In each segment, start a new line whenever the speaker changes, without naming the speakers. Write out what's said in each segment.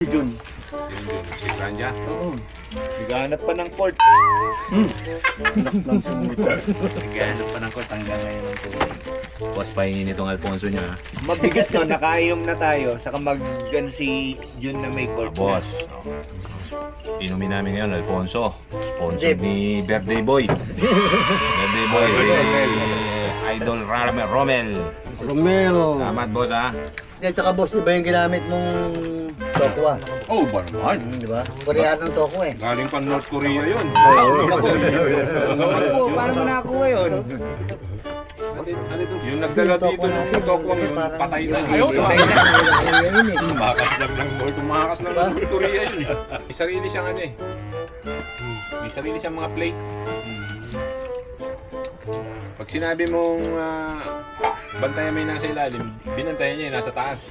Jun.
Si Franja.
Oo. Naghahanap pa ng court.
Naghahanap pa ng court hanggang ngayon ang tuloy. Boss, pahingin itong Alfonso niya.
Mabigat to, nakainom na tayo. Saka si Jun na may court.
Boss. Inumin namin ngayon, Alfonso. Sponsor ni Birthday Boy. Birthday Boy. Idol Romel. Salamat, boss, ha?
Yan sa boss, di ba yung ginamit mong tokwa?
Oh, ba naman?
Di ba? Koreanong tokwa eh.
Galing pa North Korea yun.
Oo, paano mo nakakuha yun?
Yung nagdala dito ng tokwang yun, patay na.
Ayaw, patay na.
Tumakas lang ng North Korea yun. May sarili siyang ano eh. May sarili siyang mga plate. Pag sinabi mong bantayan mo yung nasa ilalim, binantayan niya yung nasa taas.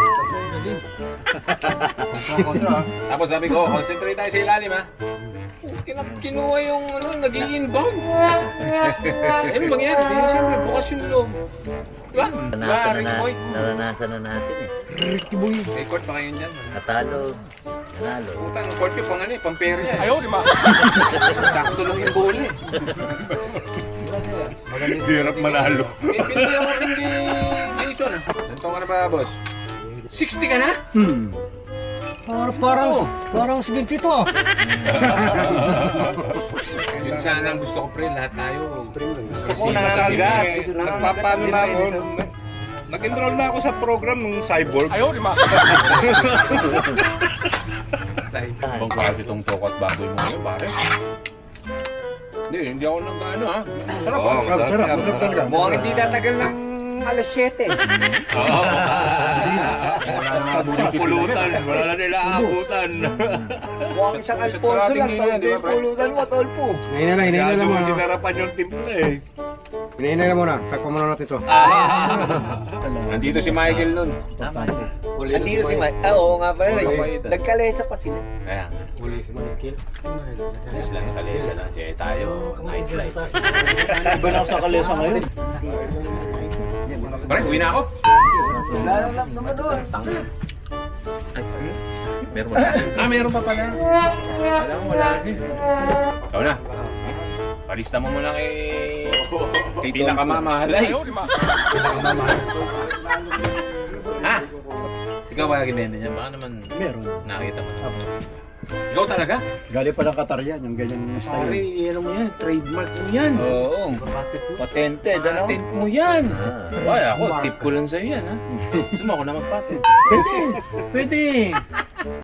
Tapos sabi ko, concentrate tayo sa ilalim, ha? Kinuha yung nag-i-inbound. Ano mangyari? Di siyempre bukas yung loob. Diba?
Naranasan na natin eh.
Ricky Boy. May court pa kayo dyan.
Natalo. Nanalo.
Puta, ang court yung pang pair niya. Ayaw, di ba? Sakto lang yung bola eh. Hirap manalo. Pinili ako rin ni Jason. Nantong ka na ba, boss? 60 ka na?
Parang 72 ah.
Yun sana ang gusto ko, pre. Lahat tayo.
Ako nangangagat.
Nagpapano na ako. Nag-enroll na ako sa program ng Cyborg.
Ayaw, di ba? Ibang klase itong tokot baboy mo ngayon, pare. Hindi ako nag-ano, ha? Sarap,
Oo,
ha?
sarap.
Mukhang hindi tatagal ng alas 7.
Pulutan. Wala na nila aabutan.
Mukhang isang Alfonso lang. Hindi pulutan mo, tolpo.
Hinay na
Kaya
muna.
sinarapan yung timpla eh.
Hinay na muna. Takpan muna natin ito.
Nandito si Michael nun.
Andito si Mike. Oo nga pala. Nagkalesa pa sila.
Kaya, ayos lang, kalesa lang. Siya tayo, nightlife.
Iba na ako sa kalesa ngayon.
Pare, uwi na ako.
Wala lang naman doon.
Ay, meron pa. Meron pa pala. Alam mo, wala rin. Ikaw na. Palista mo muna kay pinakamamahalay. Ha? Ikaw ba nag-ibenta niya? Baka naman nakita mo. Ikaw talaga?
Galing pa ng Qatar yan, yung ganyan
Pare, ano mo yan? Trademark mo yan.
Oo. Patented, ano?
Patent mo yan. Ay, ako, tip ko lang sa'yo yan, ha? Gusto mo ako na mag-patent.
Pwede.